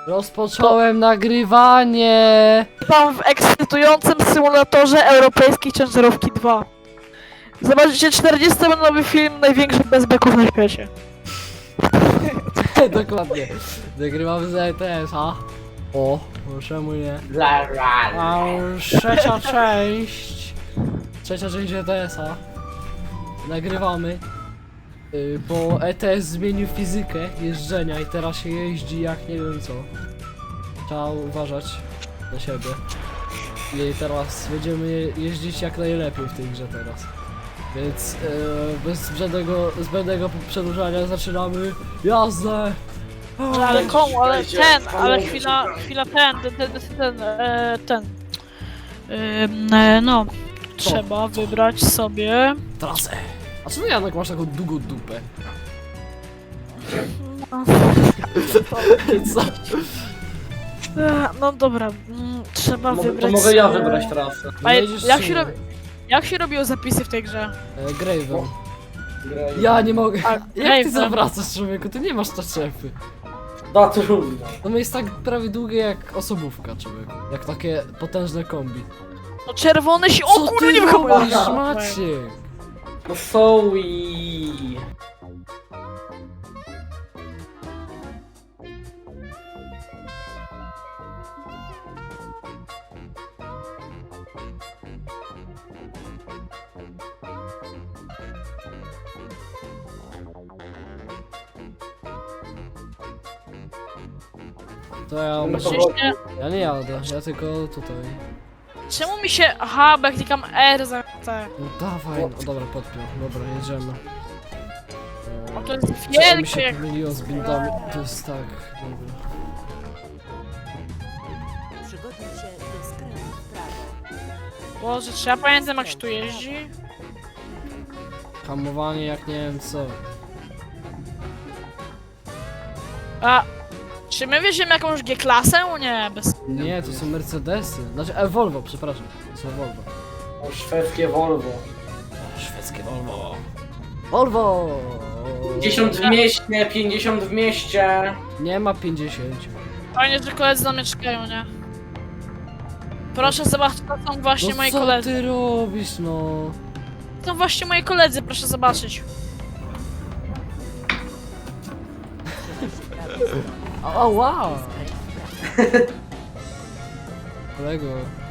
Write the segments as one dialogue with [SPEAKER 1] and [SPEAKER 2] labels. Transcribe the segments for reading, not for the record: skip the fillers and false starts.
[SPEAKER 1] Rozpocząłem nagrywanie!
[SPEAKER 2] Witam w ekscytującym symulatorze europejskiej ciężarówki 2. Zobaczycie 40-minutowy film największych bezbeków na świecie.
[SPEAKER 1] Dokładnie. Nagrywamy z ETS-a. O, czemu nie?
[SPEAKER 3] Lara.
[SPEAKER 1] A już trzecia część. Trzecia część ETS-a. Nagrywamy. Bo ETS zmienił fizykę jeżdżenia i teraz się jeździ jak nie wiem co. Trzeba uważać na siebie. I teraz będziemy jeździć jak najlepiej w tej grze teraz. Więc bez zbędnego przedłużania zaczynamy jazdę!
[SPEAKER 2] Ale komu, ale no. Trzeba wybrać sobie...
[SPEAKER 1] Trasę! A co ty, Janek, masz taką długą dupę? Co?
[SPEAKER 2] No dobra, trzeba
[SPEAKER 3] To
[SPEAKER 2] wybrać
[SPEAKER 3] mogę ja
[SPEAKER 2] sobie...
[SPEAKER 3] wybrać trasę.
[SPEAKER 2] A
[SPEAKER 1] Jedziesz
[SPEAKER 2] jak
[SPEAKER 1] czy
[SPEAKER 2] się
[SPEAKER 1] nie?
[SPEAKER 2] robi... Jak się robiło zapisy w tej grze?
[SPEAKER 1] Graven.
[SPEAKER 3] Graj.
[SPEAKER 1] Ja nie mogę.
[SPEAKER 2] A,
[SPEAKER 1] Jak ty
[SPEAKER 2] Graven.
[SPEAKER 1] zawracasz, człowieku? Ty nie masz taczepy.
[SPEAKER 3] Da trudno.
[SPEAKER 1] No jest tak prawie długie jak osobówka, człowieku. Jak takie potężne kombi.
[SPEAKER 2] No czerwony się... O
[SPEAKER 1] Co
[SPEAKER 2] kurde,
[SPEAKER 1] ty
[SPEAKER 2] nie wyhamuję!
[SPEAKER 1] robisz, Maciek?
[SPEAKER 3] No są i...
[SPEAKER 1] To ja
[SPEAKER 3] No
[SPEAKER 1] muszę...
[SPEAKER 3] to-
[SPEAKER 1] Ja nie jadę, ja tylko tutaj.
[SPEAKER 2] Czemu mi się... Aha, bo jak klikam R za T.
[SPEAKER 1] No dawaj, no dobra, podpiął. Dobra, jedziemy.
[SPEAKER 2] O, to jest
[SPEAKER 1] Co mi
[SPEAKER 2] wielkie
[SPEAKER 1] się
[SPEAKER 2] jak...
[SPEAKER 1] pomyliło z bindami? To jest tak, dobra.
[SPEAKER 4] Przygotuj się do skrętu w prawo.
[SPEAKER 2] Boże, czy ja pamiętam jak się tu jeździ?
[SPEAKER 1] Hamowanie jak nie wiem co.
[SPEAKER 2] A... Czy my weźmiemy jakąś G-klasę? Nie, bez...
[SPEAKER 1] Nie, to są Mercedesy. Znaczy, Volvo, przepraszam. To są Volvo.
[SPEAKER 3] O, szwedzkie Volvo.
[SPEAKER 1] Szwedzkie Volvo. Volvo!
[SPEAKER 3] 50 w mieście, 50 w mieście.
[SPEAKER 1] Nie ma 50.
[SPEAKER 2] Fajnie, że koledzy na mnie czekają, nie? Proszę zobaczyć, to są właśnie
[SPEAKER 1] No
[SPEAKER 2] moi
[SPEAKER 1] co
[SPEAKER 2] koledzy.
[SPEAKER 1] ty robisz, no?
[SPEAKER 2] To są właśnie moi koledzy, proszę zobaczyć.
[SPEAKER 1] O, wow! Kolego.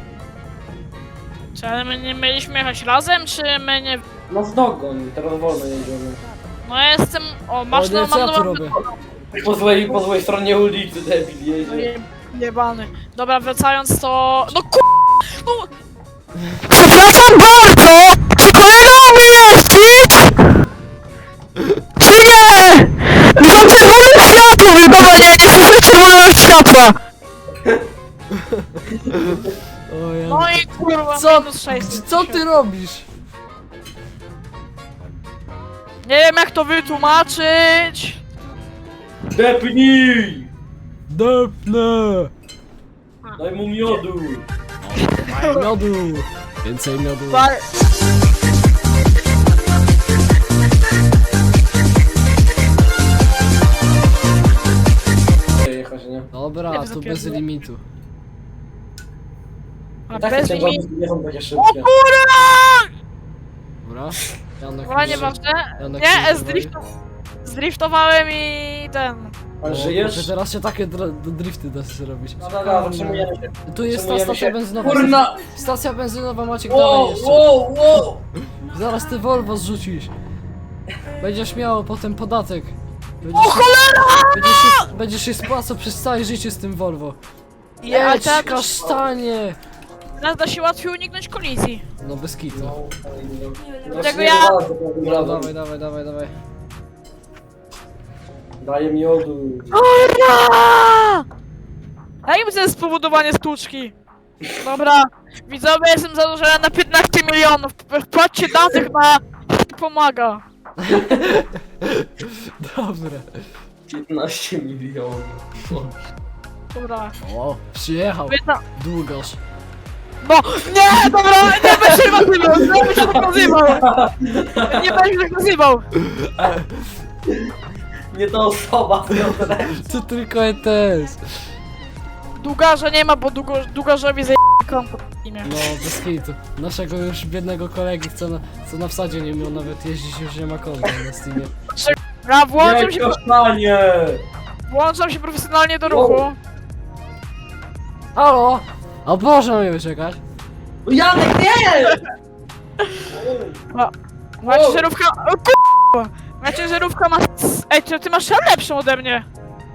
[SPEAKER 2] Czy ale my nie mieliśmy jechać razem, czy my nie...
[SPEAKER 3] No w dogoń, teraz wolno jedziemy.
[SPEAKER 2] No ja jestem... O, masz
[SPEAKER 1] O nie,
[SPEAKER 2] no,
[SPEAKER 1] co
[SPEAKER 2] mam
[SPEAKER 1] ja tu
[SPEAKER 2] no,
[SPEAKER 1] robię?
[SPEAKER 3] Po złej stronie ulicy debil jedzie.
[SPEAKER 2] jebany. Dobra, wracając to... No ku... No... Przepraszam bardzo! Czy kolega umie jeździć? Czy nie? Za czerwonym światłem! Dobra, nie słyszę czerwonego światła!
[SPEAKER 1] O ja...
[SPEAKER 2] No i kurwa,
[SPEAKER 1] Co?
[SPEAKER 2] minus 600.
[SPEAKER 1] Co ty robisz?
[SPEAKER 2] Nie wiem jak to wytłumaczyć.
[SPEAKER 3] Depnij!
[SPEAKER 1] Depnę!
[SPEAKER 3] Daj mu miodu.
[SPEAKER 1] Miodu! Więcej miodu.
[SPEAKER 3] Jechać, nie?
[SPEAKER 1] Dobra,
[SPEAKER 2] Nie,
[SPEAKER 1] tu bez
[SPEAKER 2] zapierdolę.
[SPEAKER 1] limitu.
[SPEAKER 2] A
[SPEAKER 3] Tak
[SPEAKER 2] bez
[SPEAKER 3] te
[SPEAKER 2] limitu.
[SPEAKER 3] ciężarówki nie są takie
[SPEAKER 2] O
[SPEAKER 3] szybkie.
[SPEAKER 2] kurwa!
[SPEAKER 1] Dobra. Janek,
[SPEAKER 2] Chyba nieważne.
[SPEAKER 1] Janek
[SPEAKER 2] Nie,
[SPEAKER 1] się
[SPEAKER 2] zdriftowałem i ten.
[SPEAKER 3] Ale
[SPEAKER 1] Że
[SPEAKER 3] żyjesz?
[SPEAKER 1] teraz się takie drifty da się robić.
[SPEAKER 3] No, zatrzymujemy się.
[SPEAKER 1] Tu jest ta
[SPEAKER 3] Zatrzymujemy
[SPEAKER 1] stacja
[SPEAKER 3] się.
[SPEAKER 1] benzynowa.
[SPEAKER 3] Kurna!
[SPEAKER 1] Stacja benzynowa, Maciek, dawaj
[SPEAKER 3] Wow,
[SPEAKER 1] jeszcze.
[SPEAKER 3] wow, wow!
[SPEAKER 1] Zaraz ty Volvo zrzucisz. Będziesz miał potem podatek.
[SPEAKER 2] O cholera!
[SPEAKER 1] Będziesz się spłacał przez całe życie z tym Volvo.
[SPEAKER 2] Nie, ale
[SPEAKER 1] Jedź,
[SPEAKER 2] teraz-
[SPEAKER 1] kasztanie!
[SPEAKER 2] Teraz da się łatwiej uniknąć kolizji.
[SPEAKER 1] No bez kitu.
[SPEAKER 3] No,
[SPEAKER 2] Tego
[SPEAKER 3] nie
[SPEAKER 2] ja-
[SPEAKER 3] bardzo,
[SPEAKER 1] No, dawaj.
[SPEAKER 3] Daję miodu.
[SPEAKER 2] Kurwa! Jakim to jest spowodowanie stłuczki? Dobra, widzowie, jestem zadłużony na 15 milionów. Wpłaccie danych na... Pomaga.
[SPEAKER 1] Dobra.
[SPEAKER 3] 15 milionów.
[SPEAKER 2] Dobra.
[SPEAKER 1] O, przyjechał.
[SPEAKER 2] Jedna...
[SPEAKER 1] Długoż.
[SPEAKER 2] No, nie, dobra, nie będę się nazywał, nie będę się tak nazywał. Nie będę się tak nazywał.
[SPEAKER 3] Nie ta osoba, Piotrek.
[SPEAKER 1] To tylko ETS.
[SPEAKER 2] Długarza nie ma, bo długarzowi zajebie konto w imię.
[SPEAKER 1] No, bez hitu. Naszego już biednego kolegi, co na wsadzie nie miał nawet jeździć, już nie ma konta na Steamie.
[SPEAKER 2] Ja włączam się profesjonalnie do ruchu.
[SPEAKER 1] Halo! O Boże, mnie wyczekać.
[SPEAKER 3] Janek, nie!
[SPEAKER 2] Moja ciężarówka... O k***a! Moja ciężarówka ma... Ej, ty masz lepszą ode mnie.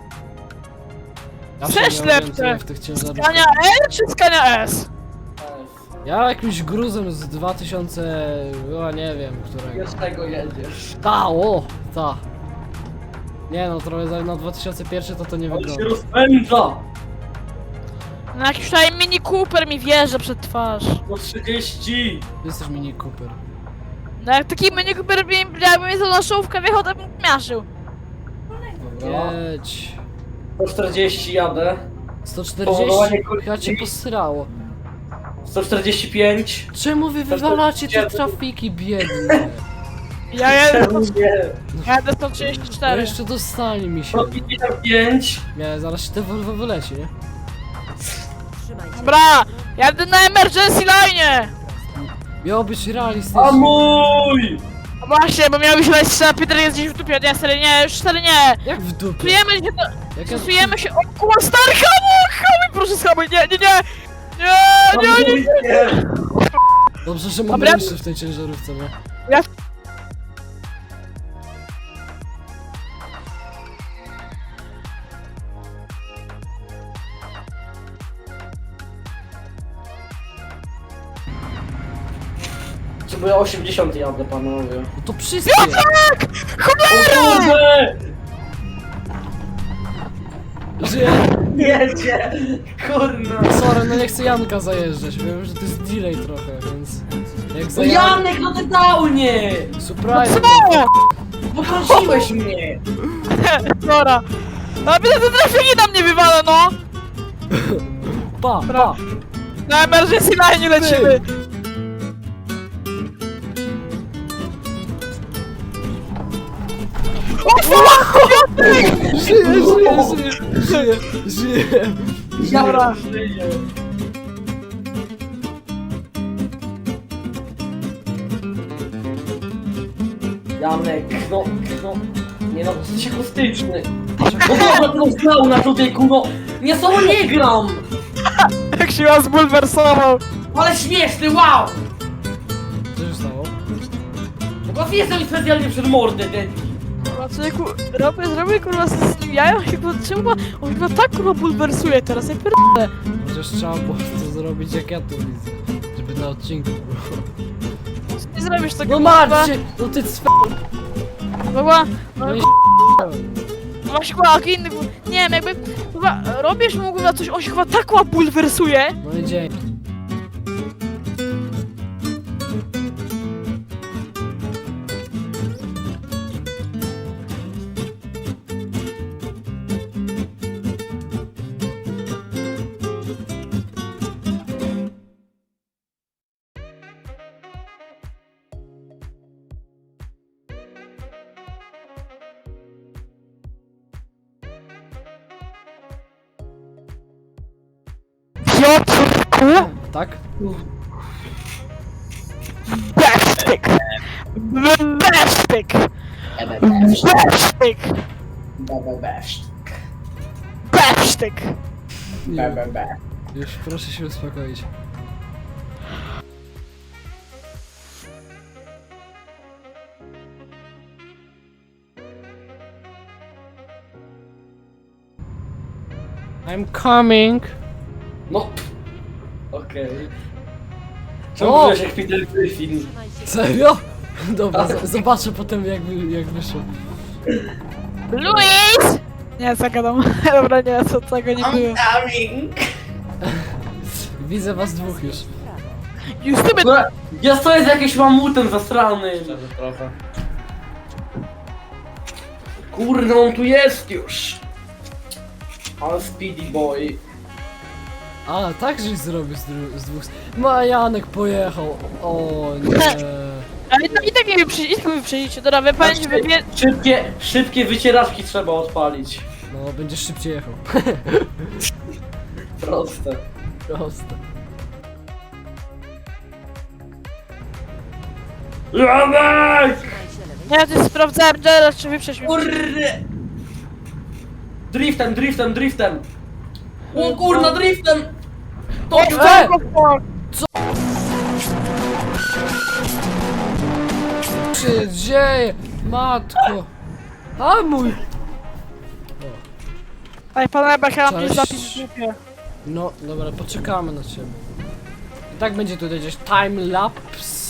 [SPEAKER 1] Ja
[SPEAKER 2] Też
[SPEAKER 1] się nie
[SPEAKER 2] lepsze.
[SPEAKER 1] orientuję w tych ciężarówkach.
[SPEAKER 2] Skania L czy Skania S?
[SPEAKER 1] Ja jakimś gruzem z 2000... O, nie wiem, którego.
[SPEAKER 3] Wiesz tego jedziesz.
[SPEAKER 1] Ta, o! Ta. Nie no, trochę na 2001 to nie
[SPEAKER 3] On się
[SPEAKER 1] wygląda.
[SPEAKER 3] rozpędza!
[SPEAKER 2] No jakiś tutaj Mini Cooper mi wjeżdża przed twarz.
[SPEAKER 3] Po 30!
[SPEAKER 1] Ty jesteś Mini Cooper.
[SPEAKER 2] No jak taki Mini Cooper jakby mnie za naszówkę wjechał, to bym miażdżył.
[SPEAKER 3] Dobra.
[SPEAKER 1] Jedź.
[SPEAKER 3] Po 40 jadę.
[SPEAKER 1] 140?
[SPEAKER 3] Powołanie kolizji.
[SPEAKER 1] Chyba cię posrało.
[SPEAKER 3] 145.
[SPEAKER 1] Czemu wy wywalacie te trafiki biedne?
[SPEAKER 2] Ja jadę,
[SPEAKER 3] Czemu nie?
[SPEAKER 2] jadę
[SPEAKER 1] No
[SPEAKER 2] 134.
[SPEAKER 1] jeszcze dostali mi się.
[SPEAKER 3] 155.
[SPEAKER 1] Nie, zaraz się te Volvo wyleci, nie?
[SPEAKER 4] Trzymaj się.
[SPEAKER 2] Dobra, jadę na emergency line!
[SPEAKER 1] Miało być realistyczne.
[SPEAKER 3] A mój!
[SPEAKER 2] No właśnie, bo miałbyś leć na Peter jest gdzieś w dupie, nie, stary nie, już stary nie.
[SPEAKER 1] Jak w dupie?
[SPEAKER 2] Stosujemy się do...
[SPEAKER 1] Jak ja...
[SPEAKER 2] Stosujemy się... O kurwa, stary, hamuj, proszę schamuj, nie, nie, nie! Nie!
[SPEAKER 3] Nie!
[SPEAKER 1] Dobrze, że mam
[SPEAKER 2] Dobra.
[SPEAKER 1] jeszcze w tej ciężarówce, nie?
[SPEAKER 2] Ja...
[SPEAKER 3] Czy bo ja 80 jadę, panowie.
[SPEAKER 1] No to wszystkie!
[SPEAKER 2] Cholera!
[SPEAKER 3] Kurde!
[SPEAKER 1] Żyję!
[SPEAKER 3] Jedzie! Kurna!
[SPEAKER 1] Sorry, no nie chcę Janka zajeżdżać, wiem, że to jest delay trochę, więc... Jak
[SPEAKER 3] No
[SPEAKER 1] zajadę...
[SPEAKER 3] Janek, no ty downie!
[SPEAKER 1] Surprise!
[SPEAKER 2] Co?
[SPEAKER 3] Poprosiłeś mnie!
[SPEAKER 2] Dobra. A widzę, te trafiki na mnie wywala, no!
[SPEAKER 1] Pa, pa!
[SPEAKER 2] Na emergency line lecimy! O fuck!
[SPEAKER 1] Żyję, żyję!
[SPEAKER 2] Dobra.
[SPEAKER 3] Żyję. Janek, no, nie no, jesteś akustyczny. No dobra, to znał na człowieku, no, nie solo nie gram,
[SPEAKER 2] Jak się was zbulwersował!
[SPEAKER 3] ale śmieszny, wow!
[SPEAKER 1] Co się stało?
[SPEAKER 3] Bo jestem specjalnie przed mordę, ten.
[SPEAKER 2] Kurwa, człowieku, zrobię kurwa z nim jaja, chyba, czemu on chyba tak kurwa bulwersuje teraz, ja pierdolę.
[SPEAKER 1] Chociaż trzeba było to zrobić jak ja to widzę. Żeby na odcinku było.
[SPEAKER 2] Nie zrobisz tego,
[SPEAKER 1] No
[SPEAKER 2] kurwa.
[SPEAKER 1] Marcie! No ty cwe...
[SPEAKER 2] Kurwa, no
[SPEAKER 1] No i
[SPEAKER 2] no właśnie kurwa, inny kurwa, nie wiem, jakby, kurwa, robisz mu kurwa coś, on się chyba tak kurwa bulwersuje.
[SPEAKER 1] No i dzień.
[SPEAKER 2] Piotrku,
[SPEAKER 1] Tak?
[SPEAKER 2] besztyk! Besztyk! Besztyk! Besztyk!
[SPEAKER 1] Nie. Już proszę się uspokoić. I'm coming.
[SPEAKER 3] No, okej.
[SPEAKER 1] O!
[SPEAKER 3] Czemu byłeś jak Peter Griffin?
[SPEAKER 4] Trzymaj się.
[SPEAKER 1] Serio? Dobra, zobaczę potem jak wyszło.
[SPEAKER 2] Luis! Nie, zagadam. Dobra, nie, co tego nie było.
[SPEAKER 3] coming!
[SPEAKER 1] Widzę was dwóch już.
[SPEAKER 2] Już ty
[SPEAKER 3] No, ja stoję z jakimś mamutem zasrany. Trochę. Kurde, on tu jest już. Ale speedy boy.
[SPEAKER 1] A, tak żeś zrobił z dwóch... Majanek pojechał. O nie.
[SPEAKER 2] Ale no i tak nie wyprzedzicie, dobra, wy pamiętajcie,
[SPEAKER 3] Szybkie wycieraczki trzeba odpalić.
[SPEAKER 1] No, będziesz szybciej jechał.
[SPEAKER 3] Proste.
[SPEAKER 1] Proste.
[SPEAKER 3] Janek!
[SPEAKER 4] Trzymaj się lewej
[SPEAKER 2] Nie, ty sprawdzałem teraz, czy wyprzeć mnie.
[SPEAKER 3] Kurde! Driftem! O kurna, driftem! To
[SPEAKER 1] Co się dzieje? Matko! A mój!
[SPEAKER 2] Ej, pan Ebek, ja mam
[SPEAKER 1] Cześć.
[SPEAKER 2] gdzieś zapis w grupie.
[SPEAKER 1] No, dobra, poczekamy na ciebie. I tak będzie tutaj gdzieś time lapse.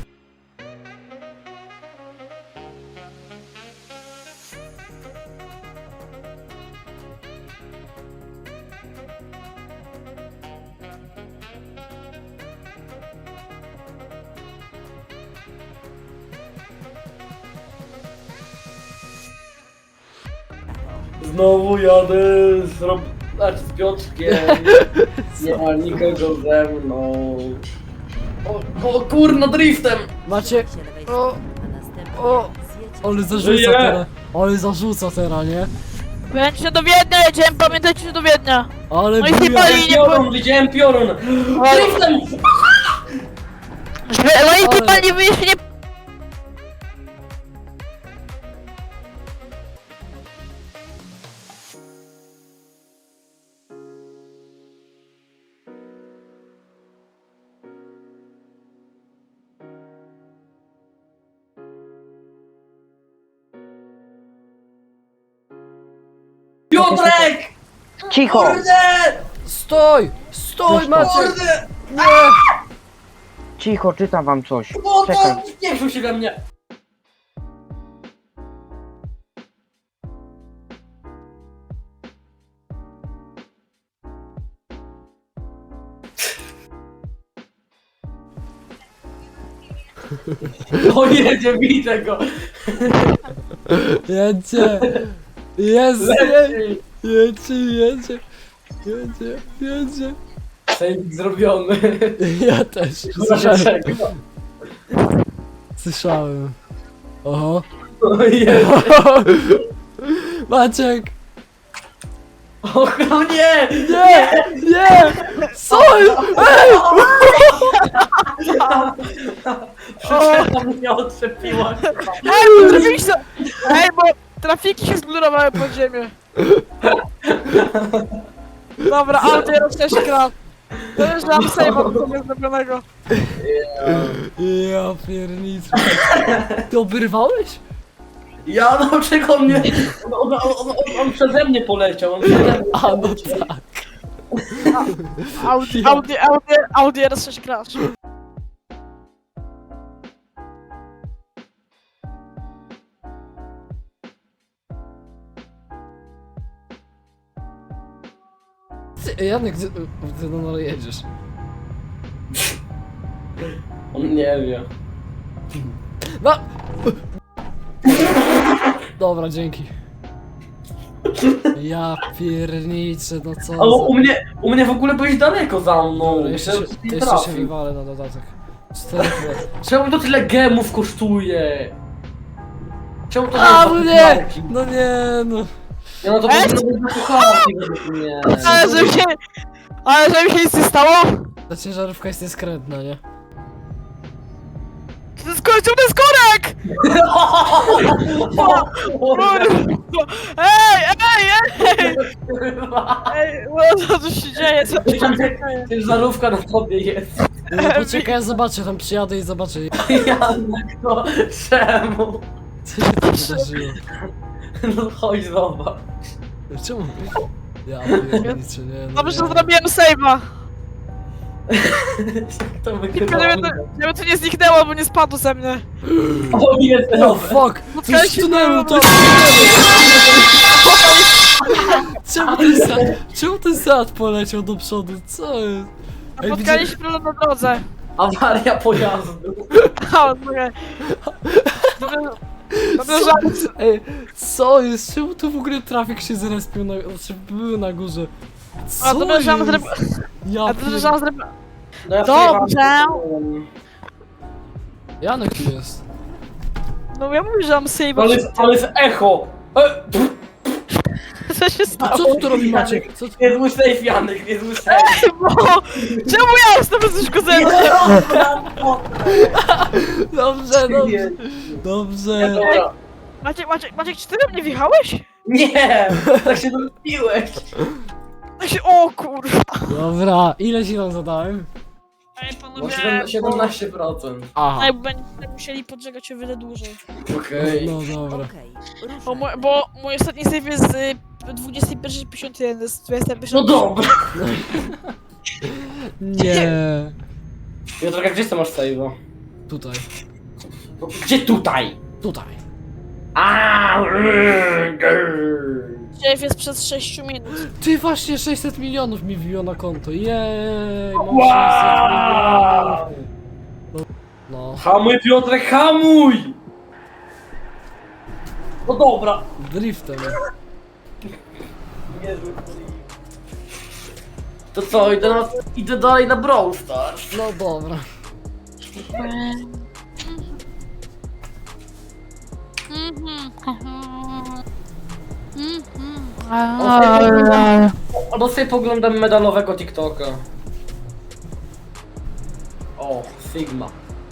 [SPEAKER 3] Znowu jadę z Piotrkiem. Nie ma nikogo ze mną. O kurna, driftem!
[SPEAKER 1] Macie...
[SPEAKER 4] się lewej
[SPEAKER 1] O,
[SPEAKER 4] a następnie
[SPEAKER 1] o,
[SPEAKER 4] zjedź
[SPEAKER 1] ale zarzuca
[SPEAKER 3] Żyje!
[SPEAKER 1] teraz. Ale zarzuca teraz, nie?
[SPEAKER 2] Będzie do Wiednia, jedziemy, pamiętajcie, że do Wiednia.
[SPEAKER 1] Ale
[SPEAKER 2] No i
[SPEAKER 1] buja.
[SPEAKER 2] chyba i nie
[SPEAKER 3] Widziałem piorun! Driftem!
[SPEAKER 2] No i
[SPEAKER 1] Ale-
[SPEAKER 2] chyba nie wyjść, nie...
[SPEAKER 3] Piotrek!
[SPEAKER 5] Cicho!
[SPEAKER 3] Kurde!
[SPEAKER 1] Stój! Stój, Maciek!
[SPEAKER 3] Kurde!
[SPEAKER 1] Nie!
[SPEAKER 5] Cicho, czytam wam coś.
[SPEAKER 3] O,
[SPEAKER 5] Czekaj.
[SPEAKER 3] nie wrzuć się we mnie! O jedzie, widzę go!
[SPEAKER 1] Jedzie! Jest!
[SPEAKER 3] Leci!
[SPEAKER 1] Jedzie!
[SPEAKER 3] Sejmik zrobiony.
[SPEAKER 1] Ja też. Słyszałem. Słyszałem. Oho.
[SPEAKER 3] O jedzie!
[SPEAKER 1] Maciek!
[SPEAKER 3] O nie!
[SPEAKER 1] Nie! Nie! Co jest? Ej!
[SPEAKER 3] Przyczepa mnie odczepiła.
[SPEAKER 2] Ej, zrobiliście... Ej, bo trafiki się zblurowały pod ziemię. Dobra, ale teraz też gra. To już mam save'a do tego zrobionego.
[SPEAKER 1] Ja pierniczę. Ty obrywałeś?
[SPEAKER 3] Ja no czego mnie... On przeze mnie poleciał, on przeze mnie
[SPEAKER 1] A no
[SPEAKER 3] poleciał.
[SPEAKER 1] tak.
[SPEAKER 2] Audi RS6 crash.
[SPEAKER 1] Ty, Janek, ty no jedziesz.
[SPEAKER 3] On nie wie.
[SPEAKER 1] No! Dobra, dzięki. Ja pierniczę, no co
[SPEAKER 3] Ale
[SPEAKER 1] za...
[SPEAKER 3] u mnie w ogóle byłeś daleko za mną.
[SPEAKER 1] Dobra, jeszcze się,
[SPEAKER 3] Myślałem, że nie
[SPEAKER 1] jeszcze się
[SPEAKER 3] trafił.
[SPEAKER 1] wywalę na dodatek. 4 lat.
[SPEAKER 3] Czemu to tyle gemów kosztuje? Czemu to
[SPEAKER 1] A,
[SPEAKER 3] tyle
[SPEAKER 1] no nie!
[SPEAKER 3] walki?
[SPEAKER 1] No nie, no.
[SPEAKER 3] Ja no to
[SPEAKER 2] Ej!
[SPEAKER 3] powinno być zakochany według mnie.
[SPEAKER 2] Ale żeby się nic nie stało?
[SPEAKER 1] Ta ciężarówka jest nieskrętna, nie?
[SPEAKER 2] To jest końcówny skorek! Ej! Ej, no co tu się dzieje? Co tu się dzieje?
[SPEAKER 3] Ciężarówka na tobie jest.
[SPEAKER 1] Poczekaj, ja zobaczę, tam przyjadę i zobaczę.
[SPEAKER 3] Janek, to czemu?
[SPEAKER 1] Co się tam wydarzyło?
[SPEAKER 3] No chodź zobacz.
[SPEAKER 1] Czemu? Ja pierniczę, nie, no
[SPEAKER 2] Dobrze, że
[SPEAKER 1] nie.
[SPEAKER 2] zrobiłem save'a.
[SPEAKER 3] Jak to
[SPEAKER 2] Tylko
[SPEAKER 3] wygląda?
[SPEAKER 2] żeby to nie zniknęło, bo nie spadło ze mnie.
[SPEAKER 3] O jest,
[SPEAKER 1] Oh fuck! Coś
[SPEAKER 2] się
[SPEAKER 1] tunelu,
[SPEAKER 2] stało.
[SPEAKER 1] coś tunelu! Czemu ten sad poleciał do przodu? Co jest? Ej,
[SPEAKER 2] Spotkaliśmy problem na drodze.
[SPEAKER 3] Awaria pojazdu.
[SPEAKER 2] A, okej. Dobrze, że...
[SPEAKER 1] Ej, co jest? Czemu tu w ogóle trafik się zrespił na... Znaczy, był na górze? Co
[SPEAKER 2] A dobrze, że mam
[SPEAKER 1] jest?
[SPEAKER 2] zrobił...
[SPEAKER 1] Ja
[SPEAKER 2] A dobrze, że mam zrobił...
[SPEAKER 3] No ja
[SPEAKER 2] Dobrze.
[SPEAKER 3] przyjechałem.
[SPEAKER 1] Janek tu jest.
[SPEAKER 2] No ja mówię, że mam save'a.
[SPEAKER 3] Ale jest echo!
[SPEAKER 2] Co się
[SPEAKER 1] A
[SPEAKER 2] stało?
[SPEAKER 1] co tu robi Maciek? Co tu...
[SPEAKER 3] Nie zły safe, Janek, nie zły safe.
[SPEAKER 2] Bo... Czemu ja jestem bezuszkodzony?
[SPEAKER 1] Dobrze, dobrze.
[SPEAKER 3] Nie,
[SPEAKER 1] Dobrze.
[SPEAKER 3] dobra.
[SPEAKER 2] Maciek, czy ty we mnie wjechałeś?
[SPEAKER 3] Nie, tak się dopiłeś.
[SPEAKER 2] Tak się... O kurwa.
[SPEAKER 1] Dobra, ile ci wam zadałem?
[SPEAKER 2] Ej,
[SPEAKER 3] No
[SPEAKER 2] panowie...
[SPEAKER 3] 17%.
[SPEAKER 1] Aha.
[SPEAKER 2] Ej, będziemy musieli podżegać o wiele dłużej.
[SPEAKER 3] Okej.
[SPEAKER 1] No dobra.
[SPEAKER 4] Okej,
[SPEAKER 2] Bo mój ostatni save jest z 21.51, jest 21.
[SPEAKER 3] No dobra.
[SPEAKER 1] Nie.
[SPEAKER 3] Piotrek, gdzie ty masz save'a?
[SPEAKER 1] Tutaj.
[SPEAKER 3] No, gdzie tutaj?
[SPEAKER 1] Tutaj.
[SPEAKER 2] Save jest przez 6 minut.
[SPEAKER 1] Ty właśnie 600 milionów mi wbiło na konto. Jej, mam 600
[SPEAKER 3] Wow!
[SPEAKER 1] milionów. No.
[SPEAKER 3] Hamuj, Piotrek, hamuj! No dobra.
[SPEAKER 1] Driftem.
[SPEAKER 3] To co, idę dalej na Brawl Stars.
[SPEAKER 1] No dobra.
[SPEAKER 3] Albo sobie poglądam medalowego TikToka. O, Sigma.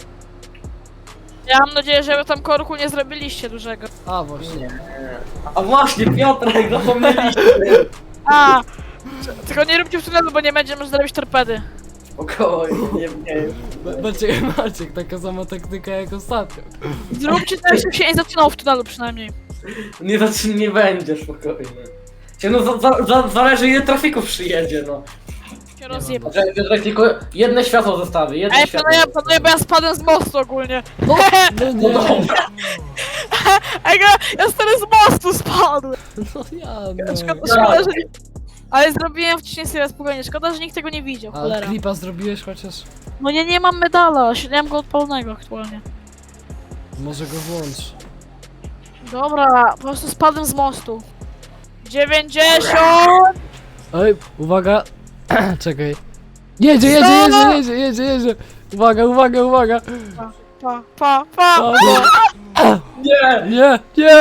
[SPEAKER 2] Ja mam nadzieję, że wy tam korku nie zrobiliście dużego.
[SPEAKER 1] A właśnie.
[SPEAKER 3] A właśnie, Piotrek, zapomnieliśmy.
[SPEAKER 2] A! Tylko nie róbcie w tunelu, bo nie będziemy zrobić torpedy.
[SPEAKER 3] Spokojnie, nie.
[SPEAKER 1] Maciek, taka sama taktyka jak ostatnio.
[SPEAKER 2] Zróbcie tak, żeby się nie zaczynało w tunelu przynajmniej.
[SPEAKER 3] Nie będzie, spokojnie. No zależy ile trafików przyjedzie, no.
[SPEAKER 2] Się rozjebę.
[SPEAKER 3] Piotrek, tylko jedno światło zostawi, jedno
[SPEAKER 2] Ej,
[SPEAKER 3] światło.
[SPEAKER 2] panowie, bo ja spadłem z mostu ogólnie.
[SPEAKER 1] No, no
[SPEAKER 3] No
[SPEAKER 1] nie.
[SPEAKER 3] dobra.
[SPEAKER 2] Ej, ja stary z mostu spadłem.
[SPEAKER 1] No ja
[SPEAKER 2] Szkoda, że nie... Ale zrobiłem wcześniej sobie spokojnie, szkoda, że nikt tego nie widział,
[SPEAKER 1] A
[SPEAKER 2] cholera.
[SPEAKER 1] klipa zrobiłeś chociaż?
[SPEAKER 2] No nie mam medala, nie mam go odpalonego aktualnie.
[SPEAKER 1] Może go włącz.
[SPEAKER 2] Dobra, po prostu spadłem z mostu. 90!
[SPEAKER 1] Ej, uwaga. Czekaj. Jedzie. Uwaga.
[SPEAKER 2] Pa.
[SPEAKER 3] Nie!
[SPEAKER 1] Nie.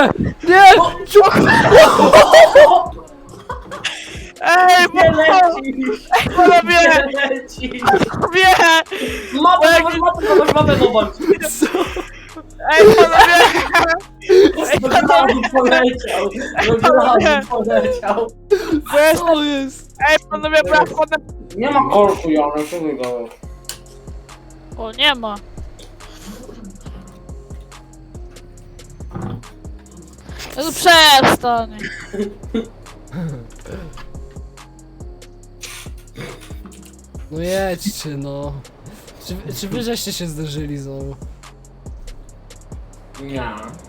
[SPEAKER 2] Ej,
[SPEAKER 3] Nie lecisz!
[SPEAKER 2] panowie,
[SPEAKER 3] Nie lecisz!
[SPEAKER 2] wie!
[SPEAKER 3] Mapę zobacz!
[SPEAKER 2] Ej, panowie!
[SPEAKER 3] Do glazu poleciał! Do glazu poleciał!
[SPEAKER 2] Bo jest...
[SPEAKER 1] Co jest?
[SPEAKER 2] Ej, panowie, bo ja wchodzę...
[SPEAKER 3] Nie ma korku, Janek, co wy go?
[SPEAKER 2] O, nie ma. No to przestań.
[SPEAKER 1] No jedźcie no. Czy wy żeście się zderzyli znowu?
[SPEAKER 3] Nie.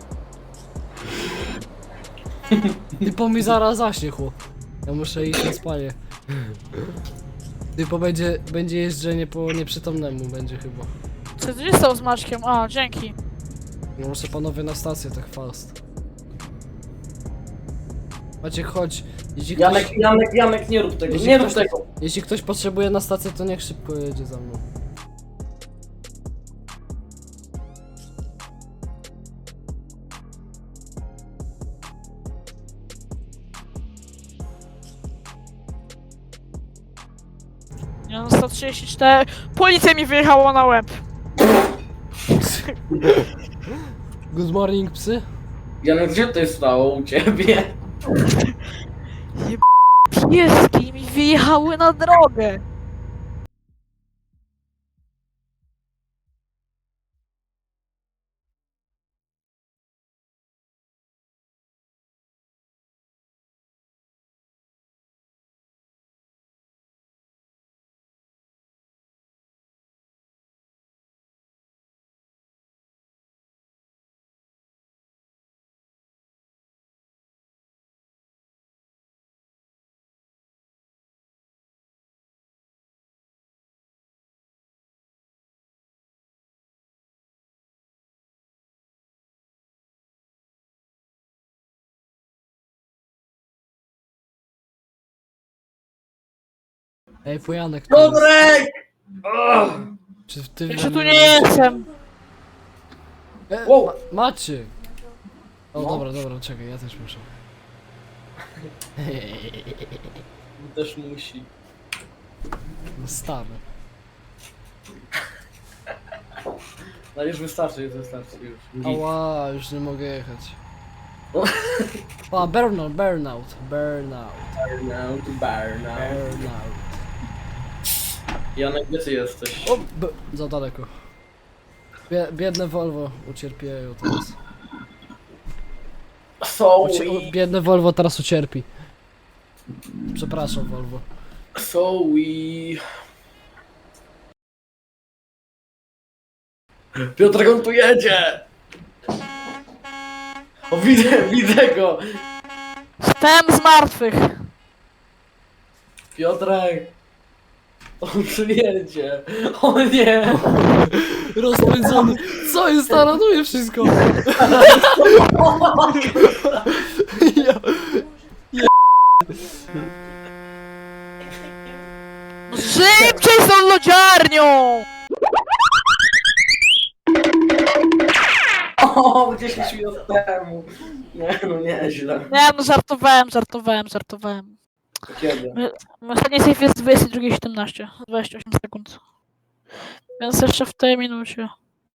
[SPEAKER 1] Typo mi zaraz zaśnie chłop. Ja muszę iść na spanie. Typo będzie jeżdżenie po nieprzytomnemu będzie chyba.
[SPEAKER 2] Co tu się stało z Maćkiem? A, dzięki.
[SPEAKER 1] No muszę panowie na stację tak fast. Maciek chodź. Jeśli ktoś,
[SPEAKER 3] Janek, nie rób tego,
[SPEAKER 1] Jeśli
[SPEAKER 3] nie rób
[SPEAKER 1] ktoś-
[SPEAKER 3] tego!
[SPEAKER 1] jeśli ktoś potrzebuje na stację, to niech szybko jedzie za mną.
[SPEAKER 2] Ja mam 134. Policja mi wyjechała na łeb.
[SPEAKER 1] Good morning psy.
[SPEAKER 3] Janek, gdzie to jest stało u ciebie?
[SPEAKER 2] Pieski mi wyjechały na drogę.
[SPEAKER 1] Ej, Pojanek tu jest.
[SPEAKER 3] Piotrek! Ugh.
[SPEAKER 1] Czy ty
[SPEAKER 2] Ja tu nie jestem.
[SPEAKER 3] Wow.
[SPEAKER 1] Maciek! O
[SPEAKER 3] No.
[SPEAKER 1] dobra, czekaj, ja też muszę.
[SPEAKER 3] Też musi.
[SPEAKER 1] No stary.
[SPEAKER 3] No już wystarczy, już. Git.
[SPEAKER 1] Ała, już nie mogę jechać.
[SPEAKER 3] No.
[SPEAKER 1] A, burnout.
[SPEAKER 3] Burnout. Janek, gdzie ty jesteś?
[SPEAKER 1] O, za daleko. Biedne Volvo ucierpieją teraz. Biedne Volvo teraz ucierpi. Przepraszam, Volvo.
[SPEAKER 3] Piotrek, on tu jedzie! O, widzę go!
[SPEAKER 2] Wstałem z martwych.
[SPEAKER 3] Piotrek! On tu jedzie! O nie!
[SPEAKER 1] Rozpędzony. Co jest? Taranuje wszystko. Ja,
[SPEAKER 2] Szybciej z tą lodziarnią!
[SPEAKER 3] O, 10 minut temu! Nie, no nieźle.
[SPEAKER 2] Nie no, żartowałem.
[SPEAKER 3] Kiedy?
[SPEAKER 2] Ostatni save jest 22:17, 28 sekund. Więc jeszcze w tej minucie.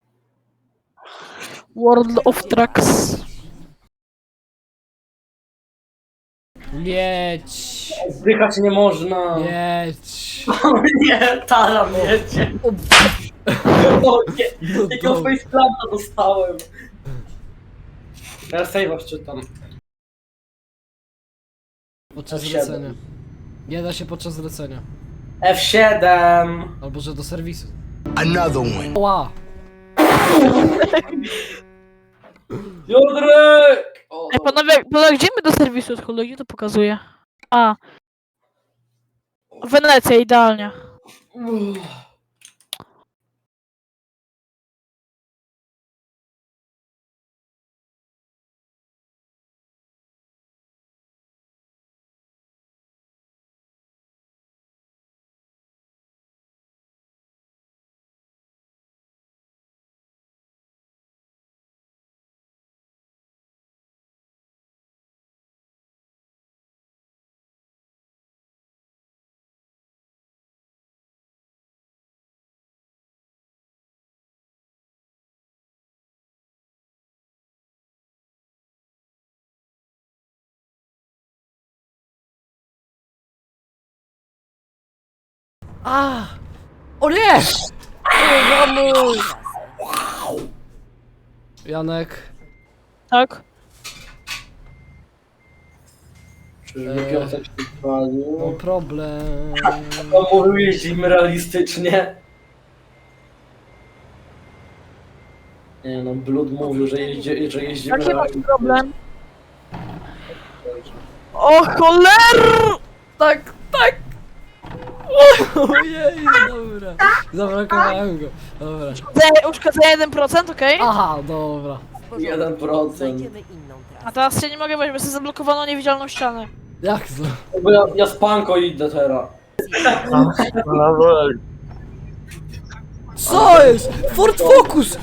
[SPEAKER 2] World of Trucks.
[SPEAKER 1] jedź.
[SPEAKER 3] Zdychać nie można!
[SPEAKER 1] Jedź.
[SPEAKER 3] O nie, taram jedzie!
[SPEAKER 1] O,
[SPEAKER 3] O nie!
[SPEAKER 1] no
[SPEAKER 3] Jakiego
[SPEAKER 1] dobra.
[SPEAKER 3] faceplanta dostałem! Teraz save'a czytam.
[SPEAKER 1] Podczas
[SPEAKER 3] F7.
[SPEAKER 1] zlecenia. Nie da się podczas zlecenia.
[SPEAKER 3] F7!
[SPEAKER 1] Albo że do serwisu.
[SPEAKER 6] Another one.
[SPEAKER 1] Ła!
[SPEAKER 3] Piotrek! O,
[SPEAKER 2] Ej, panowie, gdzie my do serwisu odchodzimy? Gdzie to pokazuje? A. Wenecja, idealnie.
[SPEAKER 3] Uff.
[SPEAKER 1] A! O nie! O, mamuj! Janek.
[SPEAKER 2] Tak?
[SPEAKER 3] Czy Piotrek się chwalił?
[SPEAKER 1] No problem.
[SPEAKER 3] On mówił, jeździmy realistycznie. Nie no, Blood mówił, że jeździmy
[SPEAKER 2] Jaki masz
[SPEAKER 3] realistycznie.
[SPEAKER 2] problem? O choler!
[SPEAKER 1] Tak, tak! Ojej, dobra. Zabrakowałem go. Dobra.
[SPEAKER 2] Uszkodzenie 1%, okej?
[SPEAKER 1] Aha, dobra.
[SPEAKER 4] W porządku.
[SPEAKER 3] 1%.
[SPEAKER 4] Znajdziemy inną
[SPEAKER 2] A
[SPEAKER 4] trasę.
[SPEAKER 2] teraz się nie mogę wejść, bo sobie zablokowano niewidzialną ścianę.
[SPEAKER 1] Jak to?
[SPEAKER 3] Bo ja z Panko idę teraz.
[SPEAKER 1] Co jest? Ford Focus!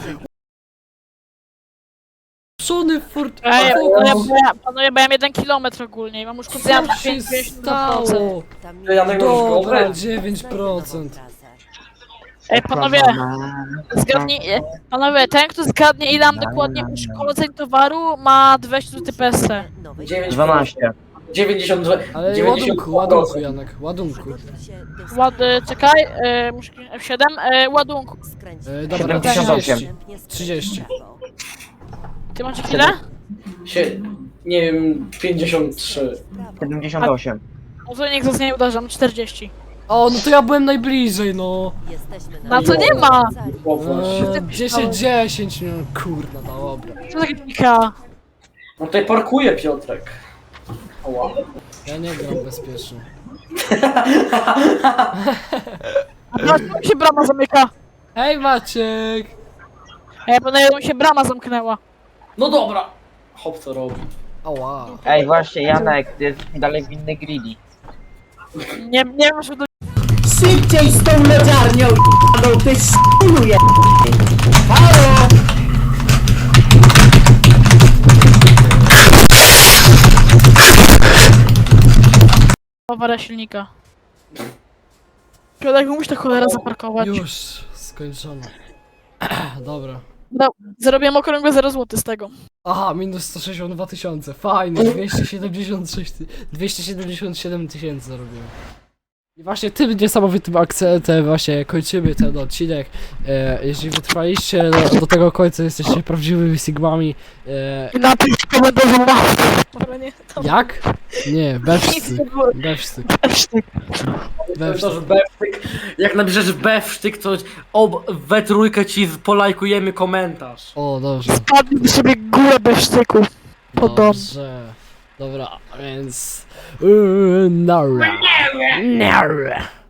[SPEAKER 1] Szony Ford
[SPEAKER 2] Ej,
[SPEAKER 1] Focus!
[SPEAKER 2] panowie, bo ja mam 1 kilometr ogólnie i mam uszkodzenia
[SPEAKER 1] Co
[SPEAKER 2] na
[SPEAKER 1] się
[SPEAKER 2] 50%.
[SPEAKER 1] stało?
[SPEAKER 4] Tam
[SPEAKER 3] Janek, możesz go
[SPEAKER 1] Dobra,
[SPEAKER 3] obrać?
[SPEAKER 1] 9%.
[SPEAKER 2] Ej, panowie, panowie, ten kto zgadnie ile mam dokładnie uszkodzeń towaru ma 200 zł PSC.
[SPEAKER 5] 12.
[SPEAKER 3] 92.
[SPEAKER 1] Ale
[SPEAKER 3] 90%.
[SPEAKER 1] ładunku, Janek, ładunku.
[SPEAKER 2] Czekaj, muszę F7, ładunku.
[SPEAKER 1] Dobra,
[SPEAKER 5] 78.
[SPEAKER 1] 30.
[SPEAKER 2] Ty macie chwilę?
[SPEAKER 3] Nie wiem, 53.
[SPEAKER 5] 78.
[SPEAKER 2] No to niech nie uderzam, 40.
[SPEAKER 1] O, no to ja byłem najbliżej, no.
[SPEAKER 2] Na co nie ma?
[SPEAKER 3] Popatrz.
[SPEAKER 1] 10-10, no kurna, no dobra.
[SPEAKER 2] Co za gika?
[SPEAKER 3] No tutaj parkuje Piotrek. Ała.
[SPEAKER 1] Ja nie gram bezpiecznie.
[SPEAKER 2] A tu się brama zamyka.
[SPEAKER 1] Hej Maciek!
[SPEAKER 2] Ej, panowie, mi się brama zamknęła.
[SPEAKER 3] No dobra. Hop co robi.
[SPEAKER 1] Ała.
[SPEAKER 5] Ej, właśnie, Janek, ty jesteś dalej winny greedy.
[SPEAKER 2] Nie wiem, że to...
[SPEAKER 7] Szybciej z tą lodziarnią, j***ą, ty sz***uje! Halo!
[SPEAKER 2] awaria silnika. Piotrek, musisz ta cholera zaparkować.
[SPEAKER 1] Już, skończono. Dobra.
[SPEAKER 2] No, zarobiłem okrągłe 0 zł z tego.
[SPEAKER 1] Aha, minus 162 tysiące. Fajnie, 277 tysięcy zarobiłem. I właśnie tym niesamowitym akcentem właśnie kończymy ten odcinek. Jeśli wytrwaliście do tego końca, jesteście prawdziwymi sigmami.
[SPEAKER 2] Napisz w komentarzu łapkę. Dobra, nie, to
[SPEAKER 1] Jak? Nie,
[SPEAKER 2] nic
[SPEAKER 1] bewsztyk.
[SPEAKER 2] nie było.
[SPEAKER 1] Bewsztyk.
[SPEAKER 3] To bewsztyk. Jak napiszesz bewsztyk, to we trójkę ci polajkujemy komentarz.
[SPEAKER 1] O, dobrze.
[SPEAKER 2] Spadł sobie górę bez sztyku. Pod dom.
[SPEAKER 1] Dobrze. Dobra, więc... Nara. Nara.